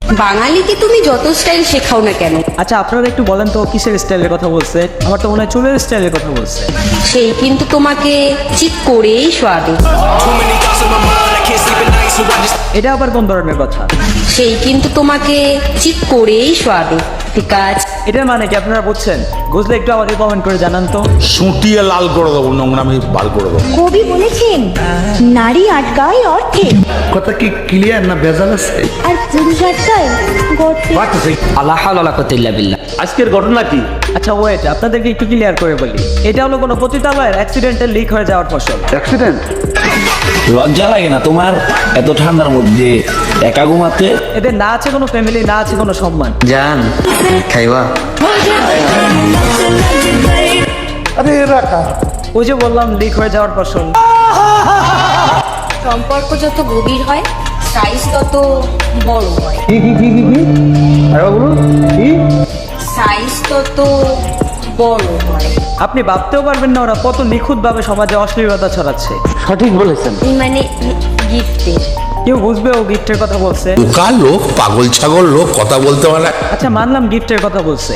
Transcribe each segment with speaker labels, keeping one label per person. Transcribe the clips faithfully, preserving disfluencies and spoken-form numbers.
Speaker 1: বাঙালিকে তুমি যত স্টাইল শেখাও না কেন,
Speaker 2: আচ্ছা আপনারা একটু বলেন তো কিসের স্টাইলের কথা বলছে? আমার তো মনে হয় চুলের স্টাইলের কথা বলছে।
Speaker 1: সেই কিন্তু তোমাকে চিট করেই শোয়াবে।
Speaker 2: এটা আবার কোন ধরনের কথা?
Speaker 1: সেই কিন্তু তোমাকে চিট করেই শোয়াবে। ঠিক আছে,
Speaker 2: এটার মানে কি আপনারা বুঝছেন? বুঝলে একটু আমাদের কমেন্ট করে জানান তো।
Speaker 3: সুটিয়ে লাল করে দেবো, নোংরামি বার করে দেবো।
Speaker 4: কবি বলেছেন নারী আটকায় অর্থে,
Speaker 5: কথা কি ক্লিয়ার না ভেজাল আছে?
Speaker 4: আর পুরুষ আটকায় গর্তে।
Speaker 6: আল্লাহ হাওলা ওয়ালা কুওয়াতা ইল্লা বিল্লাহ।
Speaker 5: আজকের ঘটনা কি?
Speaker 2: আচ্ছা ওয়েট, আপনাদেরকে একটু ক্লিয়ার করে বলি। এটা হলো কোনো পতিতালয়ের অ্যাক্সিডেন্টে লিক হয়ে যাওয়ার ফসল।
Speaker 5: অ্যাক্সিডেন্ট?
Speaker 7: লজ্জা লাগে না তোমার এত ঠান্ডার মধ্যে একা ঘুমাতে?
Speaker 2: এদের না আছে কোনো ফ্যামিলি, না আছে কোনো সম্মান।
Speaker 6: জান খাইবা?
Speaker 5: আরে রাখা
Speaker 2: ওই যে বললাম লিক হয়ে যাওয়ার ফসল।
Speaker 1: সম্পর্ক যত গভীর হয় সাইজ তত বড় হয়।
Speaker 5: কি কি কি কি কি আরে বলুন কি?
Speaker 1: সাইজ তত বড় হয়।
Speaker 2: আপনি ভাবতেও পারবেন না ওরা কত নিখুঁতভাবে সমাজে অশ্লীলতা ছড়াচ্ছে।
Speaker 5: সঠিক বলেছেন।
Speaker 1: মানে গিফটের
Speaker 2: কেউ বুঝবে ও গিফটের কথা বলছে।
Speaker 3: বোকা লোক, পাগল ছাগল লোক, কথা বলতে পারে।
Speaker 2: আচ্ছা মানলাম গিফটের কথা বলছে,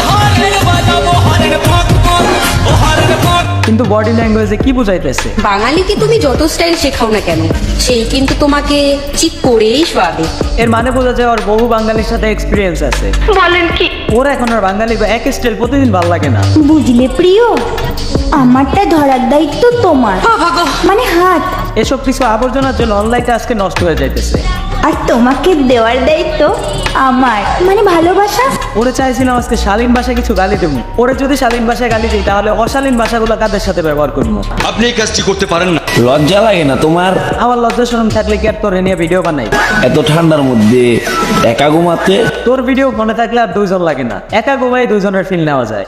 Speaker 2: কিন্তু বডি ল্যাঙ্গুয়েজে কি বুঝাইতেছে?
Speaker 1: বাঙালিকে তুমি যত স্টাইল শেখাও না কেন, সেই কিন্তু তোমাকে চিট করেই শোয়াবে।
Speaker 2: এর মানে বোঝা যায় ওর বহু বাঙালির সাথে এক্সপিরিয়েন্স আছে।
Speaker 4: বলেন কি?
Speaker 2: ওরা এখন আর বাঙালি বা এক স্টাইল প্রতিদিন ভালো লাগে না।
Speaker 4: বুঝলে প্রিয়, আমারটা ধরার দায়িত্ব তোমার, মানে হাত,
Speaker 2: এসব কিছু আবর্জনার জন্য অনলাইনটা আজকে নষ্ট হয়ে যাইতেছে।
Speaker 4: আর তোমাকে দেওয়ার দায়িত্ব আমার, মানে ভালোবাসা।
Speaker 2: ওরে চাইছিলাম আজকে শালীন ভাষায় কিছু গালি দেবো। ওরে যদি শালীন ভাষায় গালি দিই তাহলে অশালীন ভাষাগুলো কাদের সাথে ব্যবহার করবো?
Speaker 8: আপনি এই কাজটি করতে পারেন না।
Speaker 7: লজ্জা লাগে না তোমার
Speaker 2: আমার লজ্জা শরম থাকলে কি আর তোর এ নিয়ে ভিডিও বানাই?
Speaker 7: এত ঠান্ডার মধ্যে একা ঘুমাতে?
Speaker 2: তোর ভিডিও মনে থাকলে আর দুইজন লাগে না, একা ঘুমাই দুইজনের ফিল নেওয়া যায়।